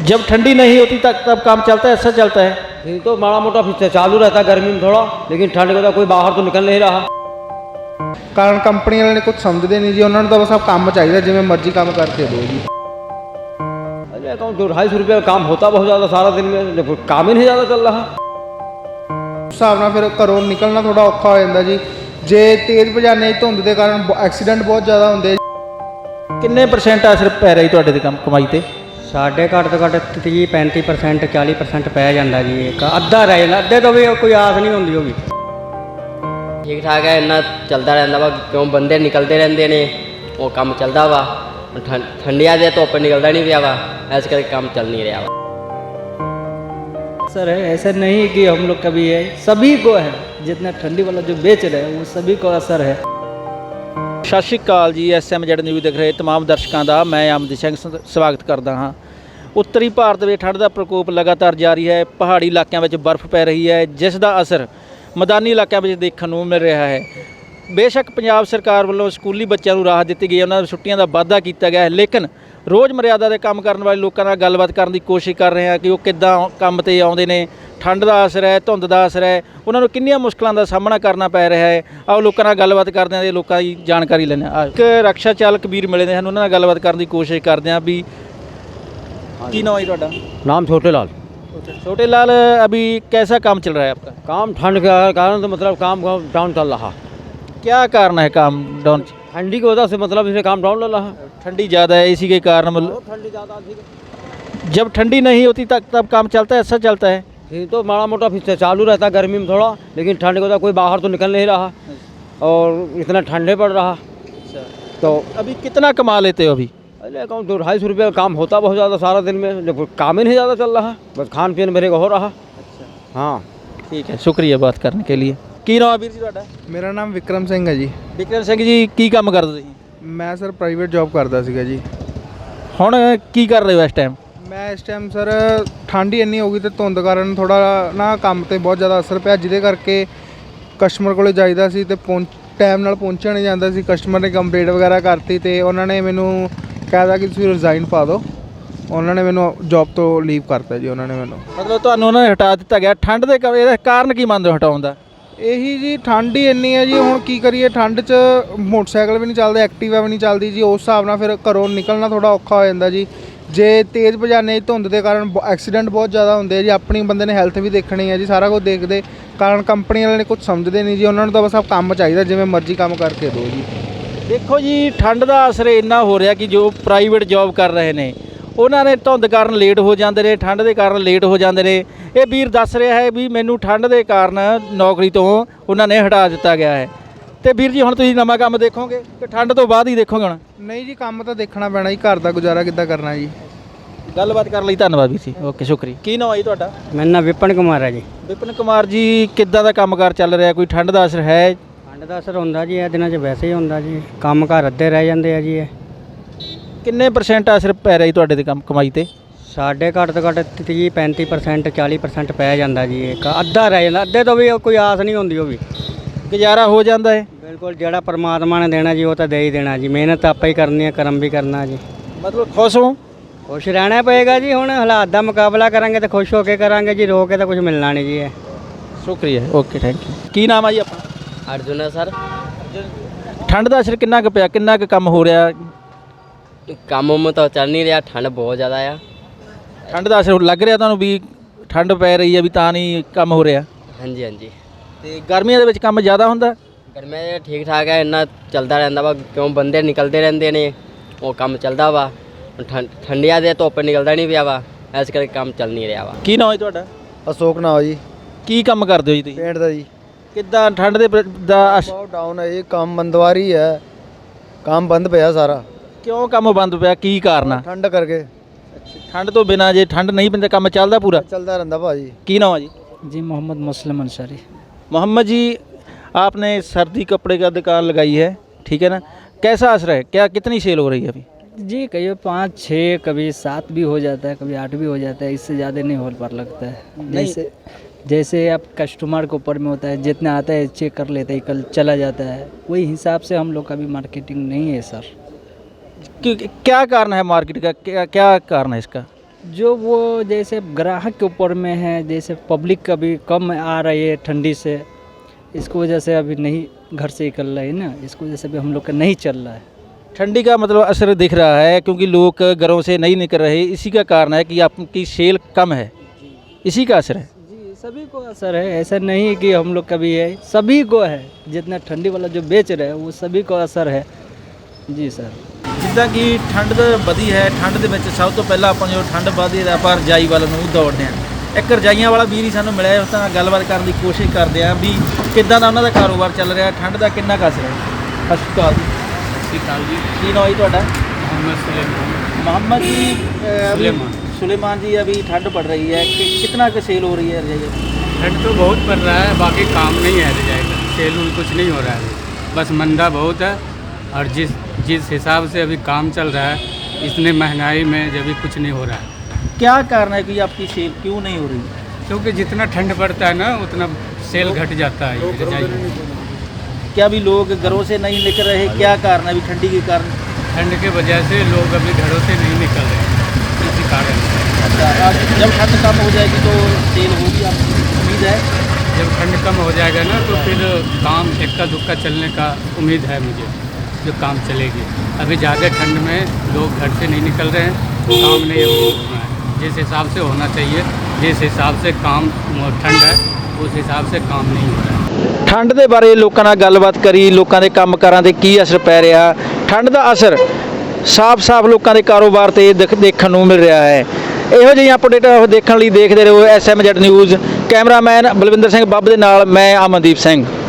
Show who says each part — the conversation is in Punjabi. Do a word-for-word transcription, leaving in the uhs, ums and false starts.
Speaker 1: जब ठंडी नहीं होती तब तब काम चलता है, ऐसा चलता है।
Speaker 2: ये तो माड़ा मोटा फिर चालू रहता है गर्मी में थोड़ा, लेकिन ठंड में तो कोई बाहर तो निकल नहीं रहा।
Speaker 3: ਕਾਰਨ ਕੰਪਨੀ ਵਾਲਿਆਂ ਨੇ ਕੁਝ ਸਮਝਦੇ ਨਹੀਂ ਜੀ, ਉਹਨਾਂ ਨੂੰ ਤਾਂ ਬਸ ਆਪ ਕੰਮ ਚਾਹੀਦਾ, ਜਿਵੇਂ ਮਰਜ਼ੀ ਕੰਮ ਕਰਕੇ ਦਿਓ ਜੀ।
Speaker 2: अरे अकाउंट दो ढाई सौ रुपये का काम होता बहुत ज़्यादा सारा दिन में, जब काम ही नहीं ज़्यादा चल रहा।
Speaker 3: ਉਸ ਹਿਸਾਬ ਨਾਲ ਫਿਰ ਘਰੋਂ ਨਿਕਲਣਾ ਥੋੜਾ ਔਖਾ ਹੋ ਜਾਂਦਾ ਜੀ। ਜੇ ਤੇਜ਼ ਭਜਾਨੇ ਧੁੰਦ ਦੇ ਕਾਰਨ ਐਕਸੀਡੈਂਟ ਬਹੁਤ ਜ਼ਿਆਦਾ ਹੁੰਦੇ।
Speaker 1: किन्ने परसेंट असर पै रही ਤੁਹਾਡੇ ਤੇ ਕੰਮ ਕਮਾਈ ਤੇ?
Speaker 4: साढ़े घट तो घट तीह पैंती परसेंट चाली परसेंट पै जाता जी, एक अद्धा रह जाता, अद्धे तो भी कोई आस नहीं होंगी होगी।
Speaker 5: ठीक ठाक है, इन्ना चलता रहता वा, क्यों बंदे निकलते रहते ने, वो काम चलता वा। ठंडिया दे धुप निकलता नहीं पिया वा, इस करके काम चल नहीं रहा वा।
Speaker 6: सर है ऐसा नहीं कि हम लोग का भी है, सभी को है, जितना ठंडी वाला जो बेच रहे हैं वो सभी को असर है।
Speaker 1: ਸਤਿ ਸ਼੍ਰੀ ਅਕਾਲ ਜੀ। ਐਸ ਐਮ ਜੈਡ ਨਿਊਜ਼ ਦੇਖ ਰਹੇ तमाम ਦਰਸ਼ਕਾਂ ਦਾ ਮੈਂ ਅਮਨਦੀਪ ਸਿੰਘ ਸਵਾਗਤ ਕਰਦਾ ਹਾਂ। ਉੱਤਰੀ ਭਾਰਤ ਵਿੱਚ ਠੰਡ ਦਾ ਪ੍ਰਕੋਪ ਲਗਾਤਾਰ ਜਾਰੀ ਹੈ। ਪਹਾੜੀ ਇਲਾਕਿਆਂ ਵਿੱਚ ਬਰਫ਼ ਪੈ ਰਹੀ ਹੈ, ਜਿਸ ਦਾ ਅਸਰ ਮੈਦਾਨੀ ਇਲਾਕਿਆਂ ਵਿੱਚ ਦੇਖਣ ਨੂੰ ਮਿਲ ਰਿਹਾ ਹੈ। ਬੇਸ਼ੱਕ ਪੰਜਾਬ ਸਰਕਾਰ ਵੱਲੋਂ ਸਕੂਲੀ ਬੱਚਿਆਂ ਨੂੰ ਰਾਹਤ ਦਿੱਤੀ ਗਈ ਹੈ, ਉਹਨਾਂ ਦੀਆਂ ਛੁੱਟੀਆਂ ਦਾ ਵਾਧਾ ਕੀਤਾ ਗਿਆ ਹੈ, ਲੇਕਿਨ ਰੋਜ਼ ਮਰਿਆਦਾ ਦੇ ਕੰਮ ਕਰਨ ਵਾਲੇ ਲੋਕਾਂ ਨਾਲ ਗੱਲਬਾਤ ਕਰਨ ਦੀ ਕੋਸ਼ਿਸ਼ ਕਰ ਰਹੇ ਹਾਂ ਕਿ ਉਹ ਕਿੱਦਾਂ ਕੰਮ ਤੇ ਆਉਂਦੇ ਨੇ। ਠੰਡ ਦਾ ਅਸਰ ਹੈ, ਧੁੰਦ ਦਾ ਅਸਰ ਹੈ, ਉਹਨਾਂ ਨੂੰ ਕਿੰਨੀਆਂ ਮੁਸ਼ਕਲਾਂ ਦਾ ਸਾਹਮਣਾ ਕਰਨਾ ਪੈ ਰਿਹਾ ਹੈ। ਆਓ ਲੋਕਾਂ ਨਾਲ ਗੱਲਬਾਤ ਕਰਦੇ ਹਾਂ ਤੇ ਲੋਕਾਂ ਦੀ ਜਾਣਕਾਰੀ ਲੈਂਦੇ ਹਾਂ। ਇੱਕ ਰਕਸ਼ਾ ਚਾਲਕ ਵੀਰ ਮਿਲੇ ਨੇ ਸਾਨੂੰ, ਉਹਨਾਂ ਨਾਲ ਗੱਲਬਾਤ ਕਰਨ ਦੀ ਕੋਸ਼ਿਸ਼ ਕਰਦੇ ਹਾਂ ਵੀ ਕੀ नाम है ਤੁਹਾਡਾ?
Speaker 2: नाम छोटे लाल।
Speaker 1: छोटे लाल, अभी कैसा काम चल रहा है आपका?
Speaker 2: काम ठंड के कारण तो मतलब काम डाउन चल रहा।
Speaker 1: क्या कारण है काम डाउन?
Speaker 2: ठंडी की वजह से मतलब इसमें काम डाउन चल रहा।
Speaker 1: ठंडी ज़्यादा है, इसी के कारण मतलब
Speaker 2: ठंडी ज़्यादा थी।
Speaker 1: जब ठंडी नहीं होती तब तब काम चलता है, ऐसा चलता है।
Speaker 2: ये तो माड़ा मोटा फिर चालू रहता है गर्मी में थोड़ा, लेकिन ठंड में तो कोई बाहर तो निकल नहीं रहा और इतना ठंडे पड़ रहा। तो
Speaker 1: अभी कितना कमा लेते हो अभी?
Speaker 2: अरे अकाउंट दो ढाई सौ रुपये का काम होता बहुत ज़्यादा सारा दिन में, जब काम ही नहीं ज़्यादा चल रहा, बस खान पीन मेरे को हो रहा। हाँ
Speaker 1: ठीक है, शुक्रिया बात करने के लिए। ਕੀ ਨਾਮ ਹੈ ਵੀਰ ਜੀ ਤੁਹਾਡਾ?
Speaker 3: ਮੇਰਾ ਨਾਮ ਵਿਕਰਮ ਸਿੰਘ ਹੈ ਜੀ।
Speaker 1: ਵਿਕਰਮ ਸਿੰਘ ਜੀ, ਕੀ ਕੰਮ ਕਰਦੇ ਤੁਸੀਂ?
Speaker 3: ਮੈਂ ਸਰ ਪ੍ਰਾਈਵੇਟ ਜੌਬ ਕਰਦਾ ਸੀਗਾ ਜੀ।
Speaker 1: ਹੁਣ ਕੀ ਕਰ ਰਹੇ ਹੋ ਇਸ ਟਾਈਮ?
Speaker 3: ਮੈਂ ਇਸ ਟਾਈਮ ਸਰ ਠੰਡ ਹੀ ਇੰਨੀ ਹੋ ਗਈ ਅਤੇ ਧੁੰਦ ਕਾਰਨ ਥੋੜ੍ਹਾ ਨਾ ਕੰਮ 'ਤੇ ਬਹੁਤ ਜ਼ਿਆਦਾ ਅਸਰ ਪਿਆ, ਜਿਹਦੇ ਕਰਕੇ ਕਸਟਮਰ ਕੋਲ ਜਾਈਦਾ ਸੀ ਅਤੇ ਪਹੁੰਚ ਟਾਈਮ ਨਾਲ ਪਹੁੰਚਿਆ ਨਹੀਂ ਜਾਂਦਾ ਸੀ। ਕਸਟਮਰ ਨੇ ਕੰਪਲੇਂਟ ਵਗੈਰਾ ਕਰਤੀ ਅਤੇ ਉਹਨਾਂ ਨੇ ਮੈਨੂੰ ਕਹਿ ਕਿ ਤੁਸੀਂ ਰਿਜ਼ਾਈਨ ਪਾ ਦਿਓ। ਉਹਨਾਂ ਨੇ ਮੈਨੂੰ ਜੌਬ ਤੋਂ ਲੀਵ ਕਰਤਾ ਜੀ। ਉਹਨਾਂ ਨੇ ਮੈਨੂੰ
Speaker 1: ਮਤਲਬ ਤੁਹਾਨੂੰ ਉਹਨਾਂ ਨੇ ਹਟਾ ਦਿੱਤਾ ਗਿਆ ਠੰਡ ਦੇ ਕ- ਇਹਦਾ ਕਾਰਨ ਕੀ ਮੰਨਦੇ ਹੋ ਹਟਾਉਣ ਦਾ?
Speaker 3: ਇਹੀ ਜੀ ਠੰਡ ਹੀ ਇੰਨੀ ਹੈ ਜੀ। ਹੁਣ ਕੀ ਕਰੀਏ, ਠੰਡ 'ਚ ਮੋਟਰਸਾਈਕਲ ਵੀ ਨਹੀਂ ਚੱਲਦੇ, ਐਕਟੀਵਾ ਵੀ ਨਹੀਂ ਚੱਲਦੀ ਜੀ। ਉਸ ਹਿਸਾਬ ਨਾਲ ਫਿਰ ਘਰੋਂ ਨਿਕਲਣਾ ਥੋੜਾ ਔਖਾ ਹੋ ਜਾਂਦਾ ਜੀ। ਜੇ ਤੇਜ਼ ਭਜਾਨੇ ਧੁੰਦ ਦੇ ਕਾਰਨ ਐਕਸੀਡੈਂਟ ਬਹੁਤ ਜ਼ਿਆਦਾ ਹੁੰਦੇ ਜੀ। ਆਪਣੀ ਬੰਦੇ ਨੇ ਹੈਲਥ ਵੀ ਦੇਖਣੀ ਹੈ ਜੀ, ਸਾਰਾ ਕੁਝ ਦੇਖਦੇ ਕਾਰਨ ਕੰਪਨੀ ਵਾਲਿਆਂ ਨੇ ਕੁਝ ਸਮਝਦੇ ਨਹੀਂ ਜੀ। ਉਹਨਾਂ ਨੂੰ ਤਾਂ ਬਸ ਆਪ ਕੰਮ ਚਾਹੀਦਾ, ਜਿਵੇਂ ਮਰਜ਼ੀ ਕੰਮ ਕਰਕੇ ਦਿਓ ਜੀ।
Speaker 1: ਦੇਖੋ ਜੀ, ਠੰਡ ਦਾ ਅਸਰ ਇੰਨਾ ਹੋ ਰਿਹਾ ਕਿ ਜੋ ਪ੍ਰਾਈਵੇਟ ਜੌਬ ਕਰ ਰਹੇ ਨੇ ਉਹਨਾਂ ਨੇ ਧੁੰਦ ਕਾਰਨ ਲੇਟ ਹੋ ਜਾਂਦੇ ਨੇ, ਠੰਡ ਦੇ ਕਾਰਨ ਲੇਟ ਹੋ ਜਾਂਦੇ ਨੇ। ਇਹ ਵੀਰ ਦੱਸ ਰਿਹਾ ਹੈ ਵੀ ਮੈਨੂੰ ਠੰਡ ਦੇ ਕਾਰਨ ਨੌਕਰੀ ਤੋਂ ਉਹਨਾਂ ਨੇ ਹਟਾ ਦਿੱਤਾ ਗਿਆ ਹੈ। ਤੇ ਵੀਰ ਜੀ, ਹੁਣ ਤੁਸੀਂ ਨਵਾਂ ਕੰਮ ਦੇਖੋਗੇ ਕਿ ਠੰਡ ਤੋਂ ਬਾਅਦ ਹੀ ਦੇਖੋਗੇ? ਹੁਣ
Speaker 3: ਨਹੀਂ ਜੀ, ਕੰਮ ਤਾਂ ਦੇਖਣਾ ਪੈਣਾ ਜੀ, ਘਰ ਦਾ ਗੁਜ਼ਾਰਾ ਕਿੱਦਾਂ ਕਰਨਾ ਜੀ।
Speaker 1: ਗੱਲਬਾਤ ਕਰਨ ਲਈ ਧੰਨਵਾਦ ਵੀਰ ਜੀ। ਓਕੇ, ਸ਼ੁਕਰੀਆ। ਕੀ ਨਾਮ ਹੈ ਜੀ ਤੁਹਾਡਾ?
Speaker 4: मेरा नाम विपिन कुमार है जी।
Speaker 1: ਵਿਪਨ ਕੁਮਾਰ ਜੀ, ਕਿੱਦਾਂ ਦਾ ਕੰਮਕਾਰ ਚੱਲ ਰਿਹਾ? ਕੋਈ ਠੰਡ ਦਾ ਅਸਰ ਹੈ?
Speaker 4: ठंड का असर होंदा जी, ਇਹ ਦਿਨਾਂ 'ਚ ਵੈਸੇ ਹੀ ਹੁੰਦਾ ਜੀ। ਕੰਮ ਘਰ ਅੱਧੇ ਰਹਿ ਜਾਂਦੇ ਆ ਜੀ। ਇਹ
Speaker 1: ਕਿੰਨੇ ਪਰਸੈਂਟ ਅਸਰ ਪੈ ਰਿਹਾ ਜੀ ਤੁਹਾਡੇ ਤੇ ਕੰਮ ਕਮਾਈ ਤੇ?
Speaker 4: ਸਾਡੇ ਘੱਟ ਤੋਂ ਘੱਟ ਤੀਹ ਪੈਂਤੀ परसेंट ਚਾਲੀ परसेंट ਪੈ ਜਾਂਦਾ ਜੀ, ਇੱਕ ਅੱਧਾ ਰਹਿ ਜਾਂਦਾ, ਅੱਧੇ ਤੋਂ ਵੀ ਕੋਈ ਆਸ ਨਹੀਂ ਹੁੰਦੀ ਹੋਗੀ।
Speaker 1: ਗੁਜ਼ਾਰਾ ਹੋ ਜਾਂਦਾ ਹੈ?
Speaker 4: ਬਿਲਕੁਲ, ਜਿਹੜਾ ਪਰਮਾਤਮਾ ਨੇ ਦੇਣਾ ਜੀ ਉਹ ਤਾਂ ਦੇ ਹੀ ਦੇਣਾ ਜੀ। ਮਿਹਨਤ ਆਪਾਂ ਹੀ ਕਰਨੀ ਹੈ, ਕਰਮ ਵੀ ਕਰਨਾ ਜੀ।
Speaker 1: ਮਤਲਬ ਖੁਸ਼ ਹੋ?
Speaker 4: ਖੁਸ਼ ਰਹਿਣਾ ਪਏਗਾ ਜੀ। ਹੁਣ ਹਾਲਾਤ ਦਾ ਮੁਕਾਬਲਾ ਕਰਾਂਗੇ ਤਾਂ ਖੁਸ਼ ਹੋ ਕੇ ਕਰਾਂਗੇ ਜੀ, ਰੋ ਕੇ ਤਾਂ ਕੁਝ ਮਿਲਣਾ ਨਹੀਂ ਜੀ। ਇਹ
Speaker 1: ਸ਼ੁਕਰੀਆ। Okay, thank you. ਕੀ ਨਾਮ ਹੈ ਜੀ ਆਪਣਾ?
Speaker 5: अर्जुन है सर।
Speaker 1: ਠੰਡ ਦਾ ਅਸਰ ਕਿੰਨਾ ਕੁ ਪਿਆ? ਕਿੰਨਾ ਕੁ ਕੰਮ ਹੋ ਰਿਹਾ?
Speaker 5: काम में तो चल नहीं रहा, ठंड बहुत ज़्यादा है।
Speaker 1: ਠੰਡ ਦਾ ਅਸਰ ਲੱਗ ਰਿਹਾ ਤੁਹਾਨੂੰ ਵੀ ਠੰਡ ਪੈ ਰਹੀ ਹੈ ਵੀ ਤਾਂ ਨਹੀਂ ਕੰਮ ਹੋ ਰਿਹਾ?
Speaker 5: हाँ जी हाँ जी।
Speaker 1: ਤੇ ਗਰਮੀਆਂ ਦੇ ਵਿੱਚ ਕੰਮ ਜ਼ਿਆਦਾ ਹੁੰਦਾ?
Speaker 5: गर्मी ठीक ठाक है, इन्ना चलता रहता वा, क्यों बंदे निकलते रहते ने, वो काम चलता वा। ठंडिया दे धुप निकलता नहीं पिया वा, इस करके काम चल नहीं रहा वा।
Speaker 1: ਕੀ ਨਾਮ ਹੈ ਤੁਹਾਡਾ?
Speaker 3: ਅਸ਼ੋਕ ਨਾਮ ਜੀ।
Speaker 1: ਕੀ ਕੰਮ ਕਰਦੇ ਹੋ ਜੀ ਤੁਸੀਂ?
Speaker 3: ਪੇਂਟ ਦਾ ਜੀ।
Speaker 1: ਕਿੱਦਾਂ ਠੰਡ ਦੇ ਪ੍ਰ- ਦਾ ਅਸ-
Speaker 3: ਬਹੁਤ ਡਾਊਨ ਹੈ ਜੀ, ਕੰਮ ਬੰਦਵਾਰੀ ਹੈ, ਕੰਮ ਬੰਦ ਪਿਆ ਸਾਰਾ।
Speaker 1: ਕਿਉਂ ਕੰਮ ਬੰਦ ਪਿਆ? ਕੀ ਕਾਰਨ ਆ?
Speaker 3: ਠੰਡ ਕਰਕੇ
Speaker 1: ਠੰਡ ਤੋਂ ਬਿਨਾਂ ਜੇ ਠੰਡ ਨਹੀਂ ਪੈਂਦੀ ਕੰਮ ਚੱਲਦਾ ਪੂਰਾ?
Speaker 3: ਚੱਲਦਾ ਰਹਿੰਦਾ ਭਾਜੀ।
Speaker 1: ਕੀ ਨਾਮ ਹੈ ਜੀ?
Speaker 6: जी मोहम्मद मुस्लिम अंसारी।
Speaker 1: मोहम्मद जी, आपने सर्दी कपड़े का दुकान लगाई है, ठीक है ना? कैसा असर है? क्या कितनी सेल हो रही है अभी?
Speaker 6: जी कहिए पाँच छः, कभी सात भी हो जाता है, कभी आठ भी हो जाता है, इससे ज़्यादा नहीं हो पर लगता है। जैसे जैसे आप कस्टमर के ऊपर में होता है, जितना आता है चेक कर लेते हैं, कल चला जाता है, वही हिसाब से हम लोग का भी मार्केटिंग नहीं है सर।
Speaker 1: क्यों, क्या कारण है मार्केट का? क्या क्या कारण है इसका?
Speaker 6: जो वो जैसे ग्राहक के ऊपर में है, जैसे पब्लिक अभी कम आ रही है ठंडी से, इसको वजह से अभी नहीं घर से निकल रहा है ना, इसको वजह से अभी हम लोग का नहीं चल रहा है।
Speaker 1: ठंडी का मतलब असर दिख रहा है क्योंकि लोग घरों से नहीं निकल रहे, इसी का कारण है कि आपकी सेल कम है, इसी का असर है।
Speaker 6: जी सभी को असर है, ऐसा नहीं है कि हम लोग का भी है, सभी को है। जितना ठंडी वाला जो बेच रहे हैं वो सभी को असर है जी सर।
Speaker 1: ਜਿੱਦਾਂ ਕਿ ਠੰਡ ਵਧੀ ਹੈ, ਠੰਡ ਦੇ ਵਿੱਚ ਸਭ ਤੋਂ ਪਹਿਲਾਂ ਆਪਾਂ ਜੋ ਠੰਡ ਵਧੀ ਹੈ ਆਪਾਂ ਰਜਾਈ ਵੱਲ ਨੂੰ ਦੌੜਦੇ ਹਾਂ। ਇੱਕ ਰਜਾਈਆਂ ਵਾਲਾ ਵੀਰ ਹੀ ਸਾਨੂੰ ਮਿਲਿਆ, ਉਸ ਨਾਲ ਗੱਲਬਾਤ ਕਰਨ ਦੀ ਕੋਸ਼ਿਸ਼ ਕਰਦੇ ਹਾਂ ਵੀ ਕਿੱਦਾਂ ਦਾ ਉਹਨਾਂ ਦਾ ਕਾਰੋਬਾਰ ਚੱਲ ਰਿਹਾ, ਠੰਡ ਦਾ ਕਿੰਨਾ ਕੁ ਅਸਰ ਹੈ। ਸਤਿ ਸ਼੍ਰੀ ਅਕਾਲ ਜੀ।
Speaker 7: ਸਤਿ ਸ਼੍ਰੀ ਅਕਾਲ ਜੀ।
Speaker 1: ਕੀ ਨਾਮ ਹੈ ਤੁਹਾਡਾ?
Speaker 7: मोहम्मद सुलेमान।
Speaker 1: मोहम्मद जी अ, अभी
Speaker 7: सुलेमान।
Speaker 1: सुलेमान जी, अभी ठंड पड़ रही है कि कितना का सेल हो रही है रजाई?
Speaker 7: ठंड तो बहुत पड़ रहा है, बाकी काम नहीं है रजाई का, सेल उल कुछ नहीं हो रहा है, बस मंदा बहुत है। और जिस जिस हिसाब से अभी काम चल रहा है, इतने महंगाई में जब भी कुछ नहीं हो रहा है।
Speaker 1: क्या कारण है कि आपकी सेल क्यों नहीं हो रही?
Speaker 7: क्योंकि जितना ठंड पड़ता है ना उतना सेल घट जाता है ये रजाई में।
Speaker 1: क्या अभी लोग घरों से नहीं निकल रहे, क्या कारण है अभी ठंडी के कारण?
Speaker 7: ठंड के वजह से लोग अभी घरों से नहीं निकल रहे हैं, इसी कारण।
Speaker 1: अच्छा, आज जब ठंड कम हो जाएगी तो सेल होगी, आपकी उम्मीद है?
Speaker 7: जब ठंड कम हो जाएगा ना तो फिर काम इक्का दुक्का चलने का उम्मीद है मुझे, जो काम चलेगी। अभी ज़्यादा ठंड में लोग घर से नहीं निकल रहे हैं, काम नहीं हो रहा है जिस हिसाब से होना चाहिए। जिस हिसाब से काम ठंड है उस हिसाब से काम नहीं हो रहा है।
Speaker 1: ਠੰਡ ਦੇ ਬਾਰੇ ਲੋਕਾਂ ਨਾਲ ਗੱਲਬਾਤ ਕਰੀ, ਲੋਕਾਂ ਦੇ ਕੰਮਕਾਰਾਂ ਤੇ ਕੀ ਅਸਰ ਪੈ ਰਿਹਾ। ਠੰਡ ਦਾ ਅਸਰ ਸਾਫ਼-ਸਾਫ਼ ਲੋਕਾਂ ਦੇ ਕਾਰੋਬਾਰ ਤੇ ਦਿਖ- ਦੇਖਣ ਨੂੰ ਮਿਲ ਰਿਹਾ ਹੈ। ਇਹੋ ਜਿਹੀ ਅਪਡੇਟ ਦੇਖਣ ਲਈ ਦੇਖਦੇ ਰਹੋ S M Z news. Cameraman Balwinder Singh Babb ਦੇ ਨਾਲ ਮੈਂ ਅਮਨਦੀਪ ਸਿੰਘ।